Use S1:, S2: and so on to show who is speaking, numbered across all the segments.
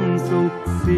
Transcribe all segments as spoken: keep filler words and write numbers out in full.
S1: สุขสี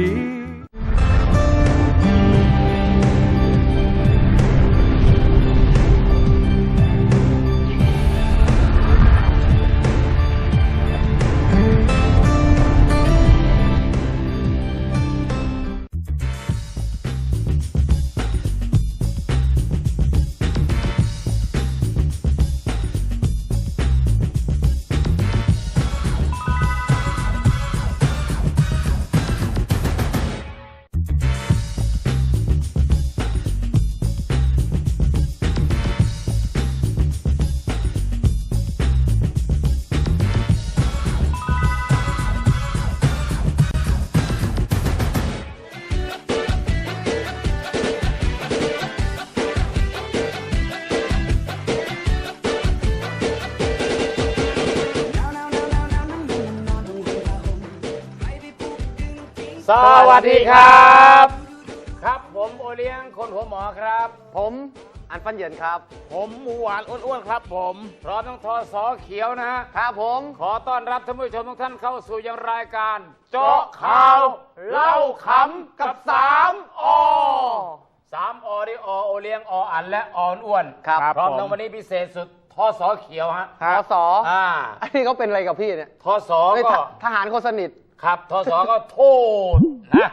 S2: สวัสดีครับครับผมโอเลี้ยงคนหัวหมอครับ
S3: ผมอันฟันเหยินครับ
S4: ผมหมูหวานอ้วนๆครับผม
S2: พร้อมทั้งทอสอเขียวนะฮะ
S3: ครับผม
S2: ขอต้อนรับท่านผู้ชมทุกท่านเข้าสู่ยังรายการเจาะข่าวเล่าขำกับสามอสามอที่อโอเลี้ยงออันและออ้วน
S3: ครับ
S2: พร้อมทั้งวันนี้พิเศษสุดทอสอเขียวฮะ
S3: ทอสอ
S2: อ่า
S3: อันนี้เขาเป็นอะไรกับพี่เนี่ย
S2: ทอสอก็
S3: ทหารคนสนิท
S2: ครับทศก็โทษนะ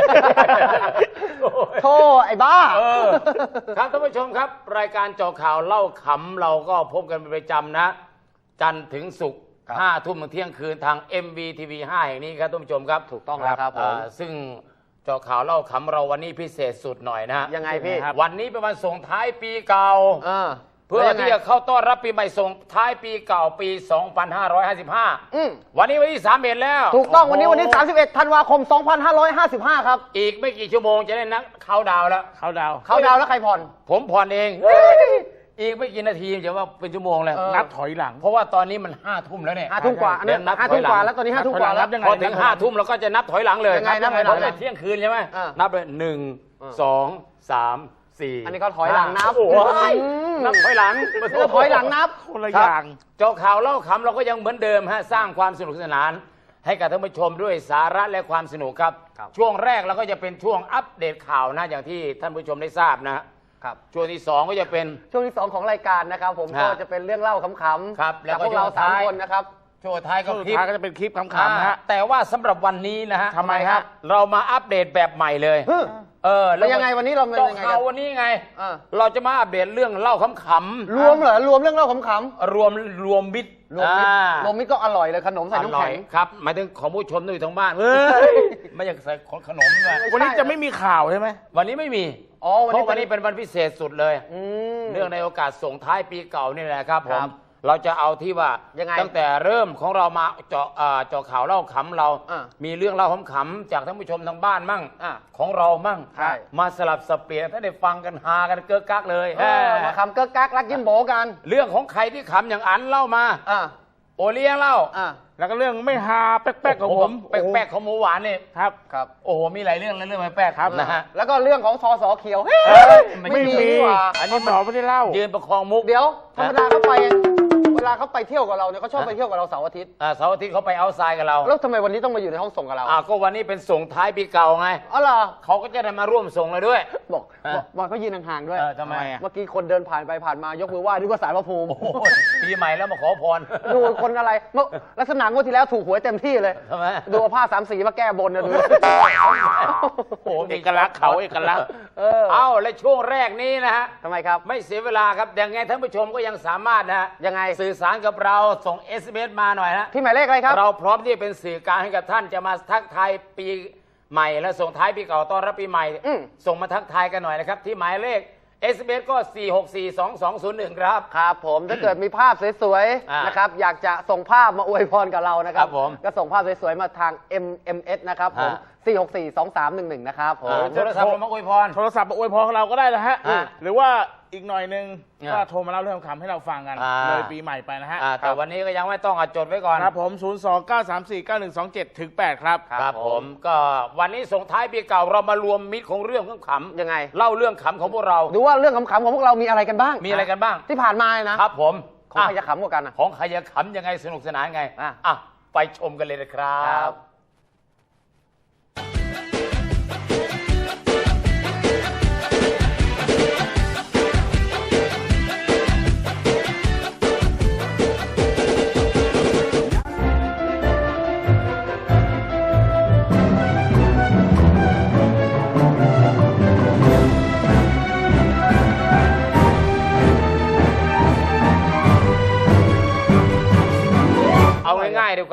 S3: โทษไอ้บ้า
S2: เออครับท่านผู้ชมครับรายการเจาะข่าวเล่าขำเราก็พบกันเป็นประจำนะจันทร์ถึงศุกร์ห้าทุ่มถึงเที่ยงคืนทาง เอ็ม วี ที วี ห้าแห่งนี้ครับท่านผู้ชมครับ
S3: ถูกต้องแล้วครับผม
S2: ซึ่งเจาะข่าวเล่าขำเราวันนี้พิเศษสุดหน่อยนะ
S3: ยังไงพี่
S2: วันนี้เป็นวันส่งท้ายปีเก่าเพื่อที่จะเข้าต้อนรับปีใหม่ส่งท้ายปีเก่าปีสองพันห้าร้อยห้าสิบห้าวันนี้วันที่สามสิบเอ็ดแล้ว
S3: ถูกต้องวันนี้วันที่สามสิบเอ็ดธันวาคมสองพันห้าร้อยห้าสิบห้าครับ
S2: อีกไม่กี่ชั่วโมงจะได้นักเข้าดาวแล้ว
S4: เข้าดาว
S3: เข้าดาวแล้วใครผ่อน
S2: ผมผ่อนเองอีกไม่กี่นาทีจะว่าเป็นชั่วโมงแล้ว
S4: นับถอยหลัง
S2: เพราะว่าตอนนี้มันห้าทุ่มแล้วเนี่ย
S3: ห้าทุ่มกว่าอันนั้นห้าทุ่มกว่าแล้วตอนนี้ห้าทุ่มกว่าแล้ว
S2: พอถึงห้าทุ่มเราก็จะนับถอยหลังเลย
S3: ยังไงนับถอยหลังเลย
S2: เที่ยงคืนใช่ไหมนับเลยหนึ่งสองสาม
S3: อันนี้ก็ถอยหลังนับ
S2: นับถอยหลัง
S3: ถอยหลังนับ
S4: คนละอย่าง
S2: เจาะข่าวเล่าขำเราก็ยังเหมือนเดิมฮะสร้างความสนุกสนานให้กับท่านผู้ชมด้วยสาระและความสนุกครับช่วงแรกเราก็จะเป็นช่วงอัปเดตข่าวนะอย่างที่ท่านผู้ชมได้ทราบนะครับช่วงที่สองก็จะเป็น
S3: ช่วงที่สองของรายการนะครับผมก็จะเป็นเรื่องเล่าขำๆ
S2: ครับ
S3: แล้วพวกเราสามคนนะครับ
S2: ช่วงท้ายก็คลิป
S4: ก็จะเป็นคลิปขำๆนะฮะ
S2: แต่ว่าสำหรับวันนี้นะฮะ
S4: ทำไมครับ
S2: เรามาอัปเดตแบบใหม่เลย
S3: เออแล้วยังไงวันนี้เราเป็นยังไง
S2: กันวันนี้ไงเราจะมาอัปเดตเรื่องเล่าขำ
S3: ๆรวมเหรอรวมเรื่องเล่าขำ
S2: ๆรวมรวมมิตร
S3: รวมมิตรรวมมิตรก็อร่อยเลยขนมใส่น้ำแข็ง
S2: ครับหมายถึงของผู้ชมที่ทางบ้านไม่อยากใส่ขนมเลย
S4: วันนี้จะไม่มีข่าวใช่ไหม
S2: วันนี้ไม่มี
S3: อ๋อ
S2: เพราะวันนี้เป็นวันพิเศษสุดเลยเรื่องในโอกาสส่งท้ายปีเก่านี่แหละครับผมเราจะเอาที่ว่าตั้งแต่เริ่มของเรามาเจาะเจาะข่าวเล่าขำเรามีเรื่องเล่าขำๆจากท่านผู้ชมทางบ้านมั่งของเรามั่งมาสลับสับเปลี่ยนถ้าได้ฟังกันฮากันเก้อกักเลย
S3: มาขำเก้อกักรักยิ้มโบกัน
S2: เรื่องของใครที่ขำอย่างอันเล่ามาโอเลี้ยงเล่า
S4: แล้วก็เรื่องไม่ฮาแป๊กๆของผม
S2: แป๊กๆของหมูหวานนี่
S4: ครับ
S2: ครับโอ้โหมีหลายเรื่องแล้วเรื่องแป๊กครับ
S3: นะฮะแล้วก็เรื่องของทอสอเขียว
S4: ไม่มีอันนี้หมอไม่ได้เล่า
S2: ยืนประคองมุก
S3: เดี๋ยวธรรมดาเขาไปเวลาเขาไปเที่ยวกับเราเนี่ยเขาชอบไปเที่ยวกับเราเสาร์อาทิตย์
S2: อ่าเสาร์อาทิตย์เขาไปเอาทรายกับเรา
S3: แล้วทำไมวันนี้ต้องมาอยู่ในห้องส่งกับเรา
S2: อ่าก็วันนี้เป็นส่งท้ายปีเก่าไง
S3: อ๋อเหรอ
S2: เขาก็จะได้มาร่วมส่งเลยด้วย
S3: บอกบอกเขายืนห่างๆด้วย
S2: ทำไม
S3: เมื่อกี้คนเดินผ่านไปผ่านมายกมือไหว้นึกว่าสารพระภูมิ
S2: ปีใหม่แล้วมาขอพร
S3: ดูคนอะไรลักษณะงวดที่แล้วถูกหวยเต็มที่เลย
S2: ทำไม
S3: ดูผ้าสามสีมาแก้บนนะดู
S2: โอ้เอกลักษณ์เขาเอกลักษณ์เออเอ้าและช่วงแรกนี้นะฮะ
S3: ทำไมครับ
S2: ไม่เสียเวลาครับยังไงท่านผู้ชมก็ยังสามารถนะฮะ
S3: ยังไง
S2: สื่อสารกับเราส่ง เอส เอ็ม เอส มาหน่อยนะ
S3: ที่หมายเลขอะไรครับ
S2: เราพร้อมที่จะเป็นสื่อกลางให้กับท่านจะมาทักทายปีใหม่และส่งท้ายปีเก่าต้อนรับปีใหม่ส่งมาทักทายกันหน่อยนะครับที่หมายเลข เอส เอ็ม เอส ก็สี่ หก สี่ สอง สอง ศูนย์ หนึ่งครับ
S3: ครับผมถ้าเกิดมีภาพสวยๆนะครับอยากจะส่งภาพมาอวยพรกับเรานะครับก็ส่งภาพสวยๆมาทาง เอ็ม เอ็ม เอส นะครับผมสี่ หก สี่ สอง สาม หนึ่ง หนึ่งนะครับผม
S2: โทรศัพท์มาอวยพร
S4: โทรศัพท์มาอวยพรเราก็ได้นะฮะหรือว่าอีกหน่อยนึงก็โทรมาเล่าเรื่องคำให้เราฟังกันเลยปีใหม่ไปนะฮะ
S2: แต่วันนี้ก็ยังไม่ต้องจดไว้ก่อน
S4: ครับผมศูนย์ สอง เก้า สาม สี่ เก้า หนึ่ง สอง เจ็ด ถึง แปดครับ
S2: ครับผมก็วันนี้ส่งท้ายปีเก่าเรามารวมมิตรของเรื่องขำ
S3: ยังไง
S2: เล่าเรื่องขำของพวกเรา
S3: ดูว่าเรื่องขำๆของพวกเรามีอะไรกันบ้าง
S2: มีอะไรกันบ้าง
S3: ที่ผ่านมานะครับ
S2: ผม
S3: ของใครจะขำกว่ากัน
S2: ของใครจะขำยังไงสนุกสนานไงอ่ะไปชมกันเลยนะครับ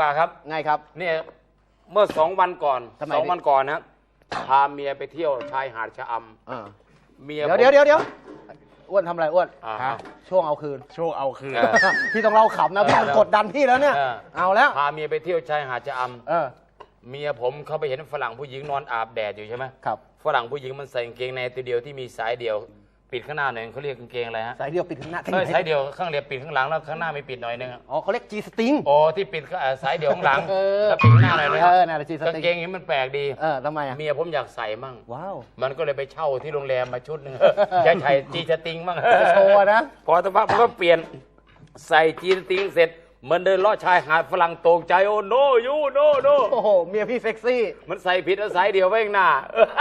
S2: ว่าครับ
S3: ไงครับ
S2: เนี่ยเมื่อสองวันก่อน
S3: ทำไม
S2: สอง
S3: พี่
S2: วันก่อนนะพาเมียไปเที่ยวชายหาดชะอ
S3: อ่า
S2: ำเมีย
S3: เดี๋ยวเดี๋ยวเดี๋ยวเดี๋ยวอ้วนทำอะไรอ้วน
S2: อ่า
S4: ฮะ
S3: ช่วงเอาคืน
S4: ช่วงเอาคืน
S2: เออ
S3: พี่ต้องเล่าขำนะพี่
S2: เออ
S3: กดดันพี่แล้วเนี่ย
S2: เออ
S3: เอาแล้ว
S2: พาเมียไปเที่ยวชายหาดชะอ
S3: เออ
S2: ำเมียผมเขาไปเห็นฝรั่งผู้หญิงนอนอาบแดดอยู่ใช่ไหม
S3: ครับ
S2: ฝรั่งผู้หญิงมันใส่กางเกงในตัวเดียวที่มีสายเดียว ปิดข้างหน้าหน่อยเขาเรียกกางเกงอะไรฮะ
S3: สายเดียวปิดข้างหน้า
S2: เออสายเดียวข้างเรียบปิดข้างหลังแล้วข้างหน้าไม่ปิดหน่อยนึงอะ
S3: อ๋อเขาเรียกจีสติง
S2: โอ้ที่ปิดก็เอ่อสายเดียวข้างหลัง
S3: เออ
S2: แล้วปิดข้างหน้าหน่อยนึง
S3: เออน่าจะจีส
S2: กาง
S3: ติง
S2: เกงนี้มันแปลกดี
S3: เออทำไมอ่ะ
S2: เมียผมอยากใส่มั่ง
S3: ว้าว
S2: มันก็เลยไปเช่าที่โรงแรมมาชุดหนึ่ง จะใส่จีสติงมั่ง
S3: จะโชว์นะ
S2: พอสักพักมันก็เปลี่ยนใส่จีสติงเสร็จเหมันเดินลอดชายหาดฝรั่งตกใจโอ้โนยูโนโน
S3: โอ้โหเมียพี่เซ็กซี่
S2: มันใส่ผิดแล้วสายเดียวไว้ข้างหน้า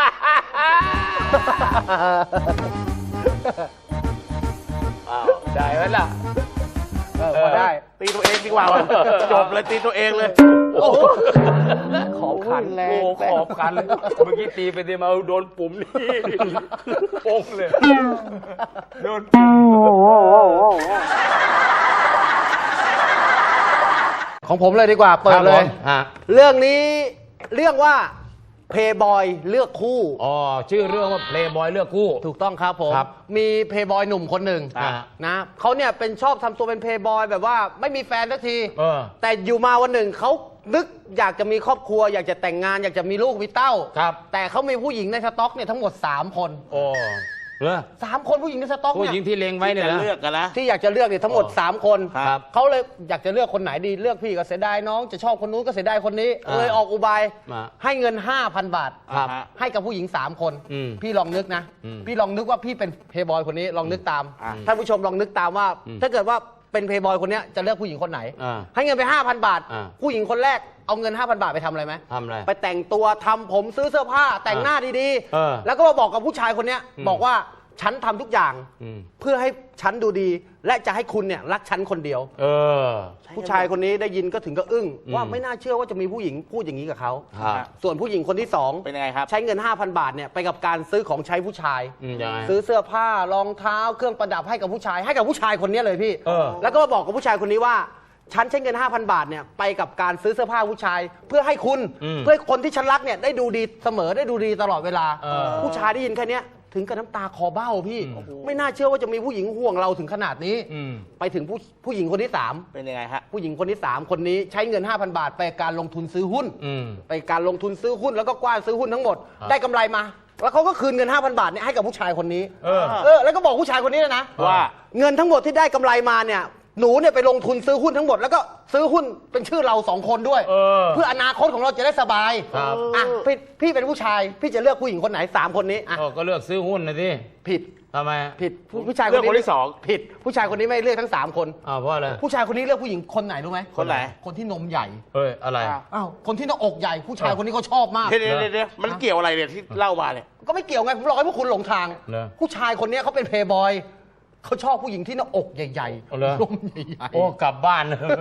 S2: อ้าวได้ไหมล่ะ
S3: เออพอได้
S4: ตีตัวเองดีกว่าวะจบเลยตีตัวเองเลย
S3: โอ้โหขอบขันแรง
S2: โอ้ขอบกันเลยเมื่อกี้ตีไปตีมาโดนปุ่มนี่โป้งเลยโดน
S3: ของผมเลยดีกว่า เปิดเลย
S2: ฮะ
S3: เรื่องนี้เรื่องว่าเพย์บอยเลือกคู่
S2: อ๋อชื่อเรื่องว่าเพลย์บอยเลือกคู่
S3: ถูกต้องครับผม
S2: ครับ
S3: มีเพย์บอยหนุ่มคนหนึ่ง
S2: อ่า
S3: นะเขาเนี่ยเป็นชอบทำตัวเป็นเพย์บอยแบบว่าไม่มีแฟนสักที
S2: เออ
S3: แต่อยู่มาวันหนึ่งเขานึกอยากจะมีครอบครัว อยากจะแต่งงานอยากจะมีลูกมีเต้า
S2: ครับ
S3: แต่เขามีผู้หญิงในสต็อกเนี่ยทั้งหมดสามคน
S2: โอ้เหรอ
S3: สามคนผู้หญิงในสต็อก
S2: ผู้
S3: เนี่ย
S2: หญิงที่เลงไว้เนี่ย
S4: จะ
S2: นะ
S4: เลือกกันนะ
S3: ที่อยากจะเลือกเนี่ยทั้งหมด
S2: อ๋อ
S3: สามคน
S2: ครับ
S3: เขาเลยอยากจะเลือกคนไหนดีเลือกพี่ก็เสียดายน้องจะชอบคนนู้นก็เสียดายคนนี้
S2: อ่า
S3: เลยออกอุบาย
S2: มา
S3: ให้เงิน ห้าพัน บาท
S2: ครับ
S3: ให้กับผู้หญิง สาม คน
S2: อืม
S3: พี่ลองนึกนะ
S2: อืม
S3: พี่ลองนึกว่าพี่เป็นเพย์บอยคนนี้ลองนึกตาม
S4: อ่า
S3: ท่านผู้ชมลองนึกตามว่า
S2: อืม
S3: ถ้าเกิดว่าเป็นเพย์บอยคนเนี้ยจะเลือกผู้หญิงคนไหน
S2: อ่า
S3: ให้เงินไป ห้าพัน บาท
S2: อ่า
S3: ผู้หญิงคนแรกเอาเงิน ห้าพัน บาทไปทำอะไรไหม
S2: ทำอะไร
S3: ไปแต่งตัวทำผมซื้อเสื้อผ้าแต่งหน้าดี
S2: เออ
S3: แล้วก็มาบอกกับผู้ชายคนเนี้ย
S2: อืม
S3: บอกว่าฉันทำทุกอย่าง
S2: อืม
S3: เพื่อให้ฉันดูดี และจะให้คุณเนี่ยรักฉันคนเดียว
S2: เออ
S3: ผู้ชายคนนี้ได้ยินก็ถึงก็อึ้ง
S2: อืม
S3: ว่าไม่น่าเชื่อว่าจะมีผู้หญิงพูดอย่างนี้กับเขา
S2: ครับ
S3: ส่วนผู้หญิงคนที่สอง
S4: เป็นยังไงครับ
S3: ใช้เงิน ห้าพัน บาทเนี่ยไปกับการซื้อของใช้ผู้ชาย
S2: อืมยังไง
S3: ซื้อเสื้อผ้ารองเท้าเครื่องประดับให้กับผู้ชาย ให้กับผู้ชายคนนี้เลยพี่
S2: เออ
S3: แล้วก็มาบอกกับผู้ชายคนนี้ว่าฉันใช้เงิน ห้าพัน บาทเนี่ยไปกับการซื้อเสื้อผ้าผู้ชาย เพื่อให้คุณ
S2: อืม
S3: เพื่อให้คนที่ฉันรักเนี่ยได้ดูดีเสมอได้ดูดีตลอดเวลา
S2: เออ
S3: ผู้ชายได้ยินแค่เนี้ยถึงกับน้ำตาคอเบ้าพี่ ไม่น่าเชื่อว่าจะมีผู้หญิงห่วงเราถึงขนาดนี้
S2: อืม
S3: ไปถึงผู้ผู้หญิงคนที่สาม
S4: เป็นยังไงฮะ
S3: ผู้หญิงคนที่สามคนนี้ใช้เงิน ห้าพัน บาท ไปการลงทุนซื้อหุ้น
S2: อืม
S3: ไปการลงทุนซื้อหุ้นแล้วก็กว้านซื้อหุ้นทั้งหมด
S2: ครับ
S3: ได้กำไรมา แล้วเขาก็คืนเงิน ห้าพัน บาทเนี่ยให้กับผู้ชายคนนี้
S2: เออ
S3: เออแล้วก็บอกผู้ชายคนนี้เลยนะ
S4: ว่า
S3: เงินทั้งหมดที่ได้กำไรมาเนี่ยหนูเนี่ยไปลงทุนซื้อหุ้นทั้งหมดแล้วก็ซื้อหุ้นเป็นชื่อเราสองคนด้วย
S2: เออ
S3: เพื่ออนาคตของเราจะได้สบาย
S2: ครับ
S3: อ่ะพี่พี่เป็นผู้ชายพี่จะเลือกผู้หญิงคนไหนสามคนนี้อ่ะ
S2: เออก็เลือกซื้อหุ้นนะที่
S3: ผิด
S2: ทำไม
S3: ผิดผู้ผู้ชายคน
S4: เลือก
S3: นี้
S4: คนที่สอง
S3: ผิด ผู้ชายคนนี้ไม่เลือกทั้งสามคน
S2: อ้าวเพราะอะไร
S3: ผู้ชายคนนี้เลือกผู้หญิงคนไหนรู้ไหม
S4: คนไหน
S3: คนที่นมใหญ่
S2: เฮ้ยอะไร
S3: อ้าวคนที่หน้าอกใหญ่ผู้ชายคนนี้เขาชอบมาก
S4: เดี๋ยวเดี๋ยวเดี๋ยวมันเกี่ยวอะไรเนี่ยที่เล่ามาเนี่ย
S3: ก็ไม่เกี่ยวไงผมบอกให้พวกคุณหลงทาง
S2: เหรอ
S3: ผู้ชายคนนี้เขาเป็นเพย์บอยเขาชอบผู้หญิงที่หน้าอกใหญ่
S2: เอาเหรอ
S3: นมใหญ่
S2: โอ้กลับบ้าน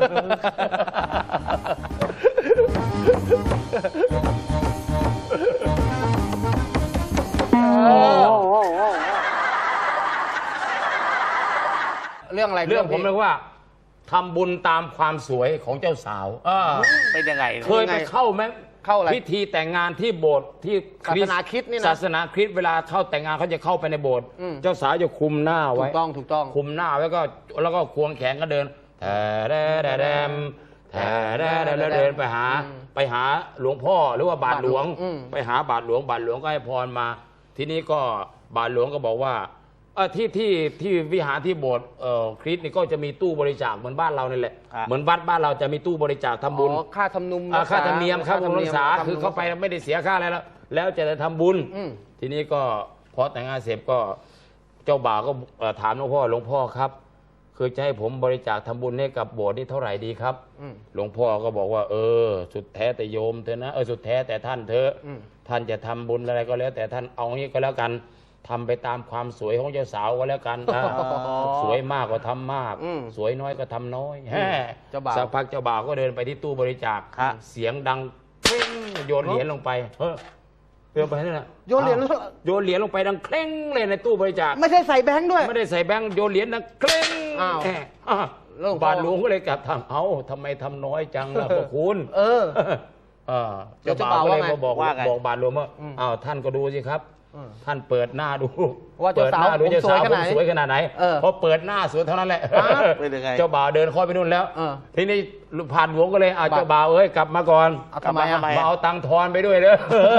S3: เรื่องอะไร
S2: เรื่องผม
S3: พี่
S2: เรียกว่าทำบุญตามความสวยของเจ้าสาวเออ
S4: เป็นยังไง
S2: เคยไปเข้าไหม
S3: เข้าอะไร
S2: พิธีแต่งงานที่โบสถ์ที่
S3: ศาสนาคริสต์นี่นะ
S2: ศาสนาคริสต์เวลาเข้าแต่งงานเขาจะเข้าไปในโบสถ์
S3: อืม
S2: เจ้าสาวจะคลุมหน้า
S3: ถู
S2: ไว้
S3: กต้องถูกต้อง
S2: คลุมหน้าไว้ก็แล้วก็ควงแขนก็เดินแต่แดแดแดมแต่แดแดแดเดินไปหา
S3: อืม
S2: ไปหาหลวงพ่อหรือว่าบาทหลวง
S3: อืม
S2: ไปหาบาทหลวงบาทหลวงก็ให้พรมา ทีนี้ก็บาทหลวงก็บอกว่าเออที่ที่ที่วิหารที่โบสถ์เอ่อคริสต์นี่ก็จะมีตู้บริจาคเหมือนบ้านเรานี่แหละ
S4: ครับ
S2: เหมือนวัดบ้านเราจะมีตู้บริจาคทำบุญ
S3: อ๋อค่าทำนุม
S2: อ่าค่าธรรมเนียมครับ
S3: ธรรม
S2: รั
S3: เนี
S2: ก
S3: ยม
S2: ษา
S3: ทำ
S2: คือเข้าไปไม่ได้เสียค่าอะไรแล้ว แล้วจะได้ทำบุญ
S3: อืม
S2: ทีนี้ก็พอแต่งงานเสร็จก็เจ้าบ่าวก็เอ่อถามหลวงพ่อหลวงพ่อครับ คือจะให้ผมบริจาคทำบุญให้กับโบสถ์นี่เท่าไหร่ดีครับ
S3: อืม
S2: หลวงพ่อก็บอกว่า เออ สุดแท้แต่โยมเถอะนะเออสุดแท้แต่ท่านเถอะ
S3: อืม
S2: ท่านจะทำบุญอะไรก็แล้ว แต่ท่านเอางี้ก็แล้วกันทำไปตามความสวยของเจ้าสาวก็แล้วกันนะ สวยมากก็ทำมาก
S3: อืม
S2: สวยน้อยก็ทำน้อยแฮ่
S3: เจ้าบ่าว
S2: สักพักเจ้าบ่าวก็เดินไปที่ตู้บริจาค
S4: ครับ
S2: เสียงดังเคร่งโยนเหรียญลงไปเฮ้ยโยนไปนั่นแหละ
S3: โยนเหรียญ
S2: อ้าวโยนเหรียญลงไปดังเคร่งเลยในตู้บริจาค
S3: ไม่ใช่ใส่แบงค์ด้วย
S2: ไม่ได้ใส่แบงค์โยนเหรียญดังเคร่ง
S3: อ้าว
S2: แหมอ่ะ
S3: แล้วหลวงพ่อ
S2: บาทหลวงก็เลยกลับทำเอ้าทำไมทำน้อยจังล่ะพวกคุณ
S3: เออ
S2: เออ
S3: เดี๋ยว
S2: เจ้าบ่าว
S3: เจ้า
S2: ก็
S3: บ่าว
S2: เลย
S3: ว่าไง
S2: มาบอก
S4: ว่าไง
S2: บอกบาทหลวงว่า
S3: อืม
S2: อ้าวท่านก็ดูสิครับ
S3: อืม
S2: ท่านเปิดหน้าดู
S3: ว่าเจ้าสาว
S2: ปิดหน้ดู
S3: ผม
S2: เจ้าสาว
S3: สวยข
S2: ผ
S3: นาด
S2: ม
S3: ไหน
S2: สวยขนาดไหน
S3: เออ
S2: พอเปิดหน้าสวยเท่านั้นแหละ
S4: เป็นยังไง
S2: เจ้าบ่าวเดินเข้าไปนู่นแล้ว
S3: เออ
S2: ทีนี้ผ่านหลวงก็เลยเอาเจ้าบ่าวเอ้ยกลับมาก่อน
S3: เอาทำไมอะ
S2: มาเอาตังค์ทอนไปด้วยเด้อ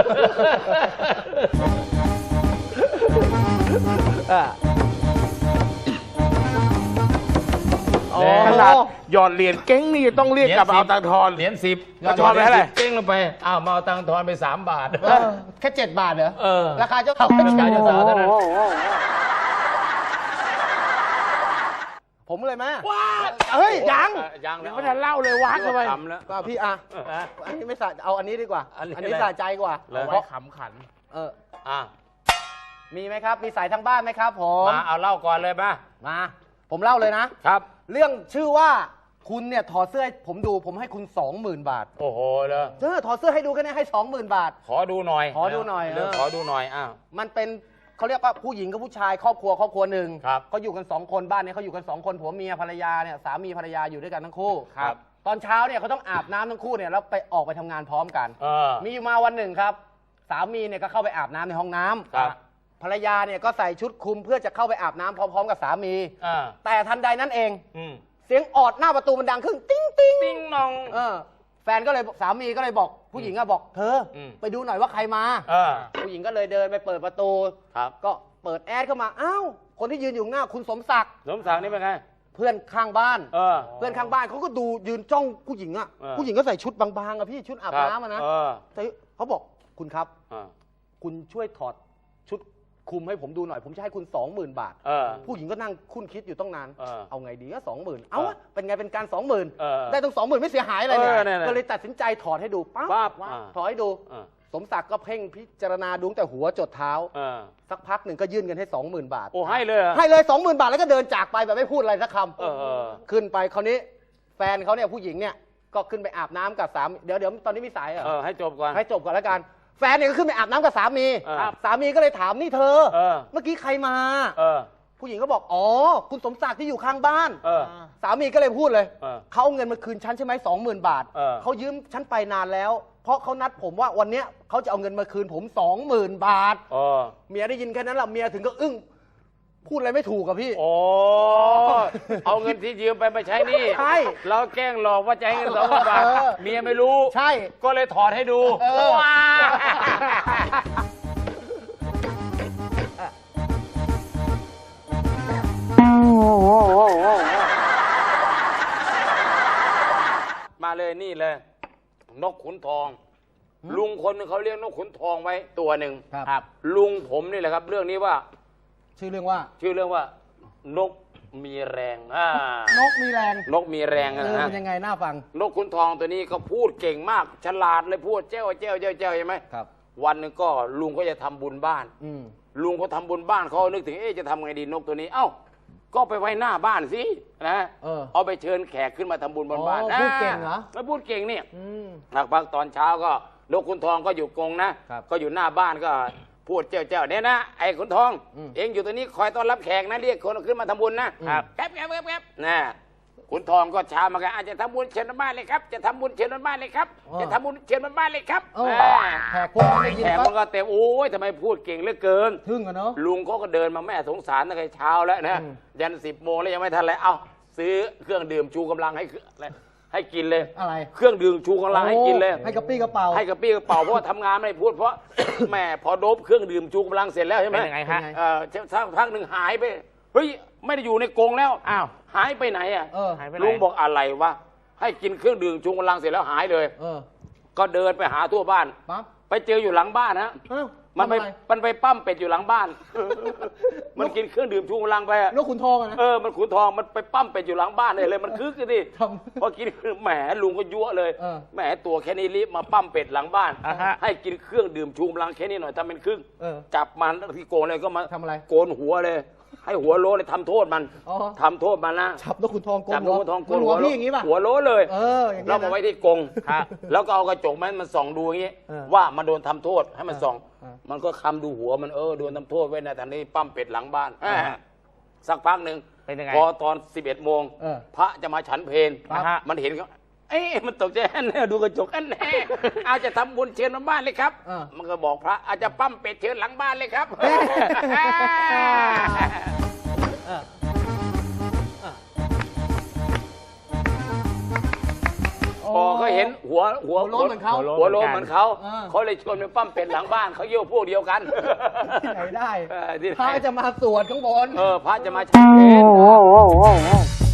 S3: เออ
S2: โอ้
S4: ขนาดหยอดเหรียญเก้งนี่ต้องเรียกกลับมาเอาตังค์ทอน
S2: เหรียญสิบ
S4: แล้วทอนไปเท่าไหร่
S2: เก้งลงไปอ้าวมาเอาตังค์ทอนไปสามบาท
S3: เออแค่เจ็ดบาทเหรอ
S2: เออ
S3: ราคาเจ้าสาว
S2: ราคาเจ้าสาวเท่านั้น
S3: ผมเลยไหม
S4: ว้า
S3: เฮ้ย
S4: ยัง
S2: เออยัง
S4: ยังไม่ทันเล่าเลยวักเข้าไป
S2: ทำแล้ว
S3: ก็พี่อ่ะ
S2: เออ
S3: อันนี้ไม่สะเอาอันนี้ดีกว่า
S2: อันนี้
S3: อันนี้
S2: อะไร
S3: สะใจกว่า
S2: เลย
S4: เอาไว้ขำขัน
S3: เออ
S2: อ่ะ
S3: มีไหมครับ มีสายทางบ้านไหมครับ ผม
S2: มาเอาเล่าก่อนเลยมา
S3: มา ผมเล่าเลยนะ
S2: ครับ
S3: เรื่องชื่อว่าคุณเนี่ยถอดเสื้อให้ผมดูผมให้คุณสองหมื่นบาท
S2: โอ้โหเลย
S3: เออถอดเสื้อให้ดูแค่นี้ให้สองหมื่นบาท
S2: ขอดูหน่อย
S3: ขอดูหน่อย
S2: เรื่อง
S3: เออ
S2: ขอดูหน่อยอ้าว
S3: มันเป็นเขาเรียกว่าผู้หญิงกับผู้ชายครอบครัวครอบครัวหนึ่ง
S2: ครับ
S3: เขาอยู่กันสองคนบ้านเนี้เขาอยู่กันสองคนผัวเมียภรรยาเนี่ยสามีภรรยาอยู่ด้วยกันทั้งคู่
S2: ครับ
S3: ตอนเช้าเนี่ยเขาต้องอาบน้ำทั้งคู่เนี่ยแล้วไปออกไปทำงานพร้อมกัน
S2: เออ
S3: มีอยู่มาวันหนึ่งครับ สามีเนี่ยก็เข้าไปอาบน้ำในห้องน้ำ
S2: ครับ
S3: ภรรยาเนี่ยก็ใส่ชุดคลุมเพื่อจะเข้าไปอาบน้ำพร้อม ๆ กับสามี
S2: อ่า
S3: แต่ทันใดนั้นเอง
S2: อืม
S3: เสียงออดหน้าประตูมันดังขึ้นติ้งติ้ง
S2: ติ้งนอง
S3: เออแฟนก็เลยสามีก็เลยบอกผู้หญิงอะบอกเธออ
S2: ม
S3: ไปดูหน่อยว่าใครมา
S2: เออ
S3: ผู้หญิงก็เลยเดินไปเปิดประตู
S2: ครับ
S3: ก็เปิดแอดเข้ามาอ้าวคนที่ยืนอยู่หน้าคุณสมศักดิ์
S2: สมศักดิ์นี่เป็นไง
S3: เพื่อนข้างบ้าน
S2: เออ
S3: เพื่อนข้างบ้านเขาก็ดูยืนจ้องผู้หญิงอะ
S2: เออ
S3: ผู้หญิงก็ใส่ชุดบางๆอะพี่ชุดอาบน้ำอะนะ
S2: เออ
S3: แต่เขาบอกคุณครับ
S2: เออ
S3: คุณช่วยถอดชุดคลุมให้ผมดูหน่อย ผมจะให้คุณสองหมื่นบาท
S2: เออ
S3: ผู้หญิงก็นั่งคุ้นคิดอยู่ต้องนาน
S2: เออ
S3: เอาไงดีก็สองหมื่นเอาวะเป็นไงเป็นการสองหมื่น
S2: เออ
S3: ได้ตั้งสองหมื่นไม่เสียหายอะไรเนี่ย
S2: เออเนี่ยๆ
S3: ก็เลยตัดสินใจถอดให้ดูปั๊บ
S2: ปั๊บ
S3: ว่า
S2: อ่า
S3: ถอดให้ดู
S2: เออ
S3: สมศักดิ์ก็เพ่งพิจารณาดูตั้งแต่หัวจดเท้า
S2: เออ
S3: สักพักหนึ่งก็ยื่นเงินให้สองหมื่นบาท
S2: โอ้ให้เลยเหรอ
S3: ให้เลยสองหมื่นบาทแล้วก็เดินจากไปแบบไม่พูดอะไรสักค
S2: เออเออ
S3: ำขึ้นไปคราวนี้แฟนเขาเนี่ยผู้หญิงเนี่ยก็ขึ้นไปอาบน้ำกับสามีเดี๋ยวเดี๋ยวตอนนี้มีสายเหรอ
S2: เออให้จบก่อน
S3: ให้จบก่อนแล้วกัน แฟนเนี่ยก็ขึ้นไปอาบน้ำกับสามี
S2: เออ
S3: สามีก็เลยถามนี่เธอ
S2: เออ
S3: เมื่อกี้ใครมา
S2: เออ
S3: ผู้หญิงก็บอกอ๋อคุณสมศักดิ์ที่อยู่ข้างบ้าน
S2: เออ
S3: สามีก็เลยพูดเลย
S2: เออ
S3: เขาเอาเงินมาคืนฉันใช่ไหมสองหมื่นบาท
S2: เออ
S3: เขายืมฉันไปนานแล้ว เพราะเขานัดผมว่าวันเนี้ยเขาจะเอาเงินมาคืนผมสองหมื่นบาท
S2: เออ
S3: เมียได้ยินแค่นั้นแหละเมียถึงก็อึ้งพูดอะไรไม่ถูกอะพี่
S2: โอ้เอาเงินที่ยืมไปมาใช้หนี่
S3: ใช่
S2: เราแกล้งหลอกว่าจะให้เงินสองพันบาท
S3: เออ
S2: เมียไม่รู้
S3: ใช่
S2: ก็เลยถอดให้ดู
S3: เออ
S2: ว้ามาเลยนี่เลย นกขุนทอง ลุงคนหนึงเขาเลี้ยงนกขุนทองไว้ตัวหนึ่ง
S3: ครับ
S2: ลุงผมนี่แหละครับ เรื่องนี้ว่า
S3: ชื่อเรื่องว่า
S2: ชื่อเรื่องว่า นกมีแรงอ่าน
S3: กมีแรง
S2: นกมีแรง
S3: เอ
S2: นะ
S3: อ
S2: ฮะ
S3: เป็นยังไงน่าฟัง
S2: นกขุนทองตัวนี้ก็พูดเก่งมาก ฉลาดเลยพูดเจ้าเจ้าเจ้าเจ้าใช่ไหม
S3: ครับ
S2: วันหนึ่งก็ลุงก็จะทำบุญบ้าน
S3: อืม
S2: ลุงเขาทำบุญบ้านเขานึกถึงเอ๊ะจะทำไงดีนกตัวนี้ เอ้า ก็ไปไว้หน้าบ้านสินะ
S3: เออ
S2: เอาไปเชิญแขกขึ้นมาทำบุญบนบ้าน
S3: อ๋อพูดเก่งเหรอ
S2: ไม่พูดเก่งเนี่ย
S3: อืม
S2: หลักพักตอนเช้าก็นกขุนทองก็อยู่กรงนะ
S3: ครับ
S2: ก็อยู่หน้าบ้านก็พูดเจ้าเจ้าเนี่ยนะไอ้ขุนทอง
S3: อืม
S2: เองอยู่ตัวนี้คอยต้อนรับแขกนะเรียกคนขึ้นมาทำบุญนะครับ แป๊บแป๊บแป๊บแป๊บนะขุนทองก็เช้ามากันอาจจะทำบุญเชิญบนบ้านเลยครับ จะทำบุญเชิญบนบ้านเลยครับ
S3: อ๋อ
S2: จะทำบุญเชิญบนบ้านเลยครับ
S3: เออ
S2: อ่า
S3: แขกพวกนั้นได้ยิน
S2: แขก
S3: ปั๊
S2: มัน
S3: บ
S2: ก็เต็มโอ้ยทำไมพูดเก่งเหลือเกิน
S3: ทึ่งอะเนาะ
S2: ลุงเขาก็เดินมาแม่สงสารตั้งแต่เช้าแล้วนะ
S3: อืม
S2: ยันสิบโมงแล้วยังไม่ทันเลยเอ้าซื้อเครื่องดื่มชูกำลังให้ให้กินเลย
S3: อะไร
S2: เครื่องดื่มชูกำลังให้กินเลย
S3: โอ้ให้กระปี้กระเป๋า
S2: ให้กระปี้กระเป๋าเพราะว่าทำงานไม่ได้พูดเพราะ แม่พอโดบเครื่องดื่มชูกำลังเสร็จแล้วใช่ไหม
S4: เป็นยังไงฮะ
S2: เออสักพักหนึ่งหายไปเฮ้ยไม่ได้อยู่ในกรงแล้ว
S4: อ้าว
S2: หายไปไหนอ่ะ
S3: เออ
S4: หายไปไหน
S2: ลุงบอกอะไรวะให้กินเครื่องดื่มชูกำลังเสร็จแล้วหายเลย
S3: เออ
S2: ก็เดินไปหาทั่วบ้าน
S3: ปั๊บ
S2: ไปเจออยู่หลังบ้านฮะ
S3: เอ้า
S2: มันไป
S3: ทำอะร
S2: มันไปปั้มเป็ดอยู่หลังบ้าน มันกินเครื่องดื่มชูกำลังไปอะ
S3: นกขุนทองอะนะ
S2: เออ มันขุนทอง มันไปปั้มเป็ดอยู่หลังบ้านเลยเลย มันคึกกันดิ
S3: ทำ
S2: พอกินแหมลุงก็ยั่วเลย
S3: เออ
S2: แหมตัวแค่นี้รีบมาปั้มเป็ดหลังบ้าน
S4: อ่าฮะ
S2: ให้กินเครื่องดื่มชูกำลังแค่นี้หน่อยทำเป็นครึ่ง
S3: เออ
S2: จับมันที่โกนเลยก็มา
S3: ทำอะไร
S2: โกนหัวเลย ให้หัวโลเลยทำโทษมัน
S3: อ๋อ
S2: ทำโทษมันนะ
S3: จับนกขุนทองโก
S2: จับ
S3: น
S2: น
S3: หั
S2: ก
S3: ว
S2: ขุนทองโกน
S3: หั
S2: หั
S3: ว
S2: ว
S3: พี่อย่างงี้ป่ะ
S2: หัวโลเลย
S3: เอออย่างงี้
S2: แล้วมาไว้ที่กรง
S4: ฮะ
S2: แล้วก็เอากระจกมันมันส่องดูอย่างงี้
S3: เออ
S2: ว่ามันโดนทำโทษให้มันส่อง
S3: เออ
S2: มันก็คำดูหัวมันเออโดนทำโทษไว้นะแต่นี่ปั้มเป็ดหลังบ้าน
S3: เออ
S2: อ่าสักพักหนึ่ง
S4: เป็นยังไง
S2: พอตอนสิบเอ็ดโมง
S3: เออ
S2: พระจะมาฉันเพล
S4: ครับ
S2: มันเห็นเขาเอ๊ะมันตกใจแน่ดูกระจกแน่อาจจะทำบุญเชิญมาบ้านเลยครับ
S3: เออ
S2: มันก็บอกพระอาจจะปั้มเป็ดเชิญหลังบ้านเลยครับ พอเขาเห็นหัวหัว
S3: หัวโล้นเหมือนเขา
S2: หัวโล้นเหมือนเขา
S3: เออ
S2: เขาเลยชวนไปปั้มเป็ดหลังบ้านเขาเยี่ยวพวกเดียวกัน
S3: ที่ไหนได้
S2: เออที่ไหน
S3: พระจะมาสวดข้างบน
S2: เออพระจะมาฉันเพล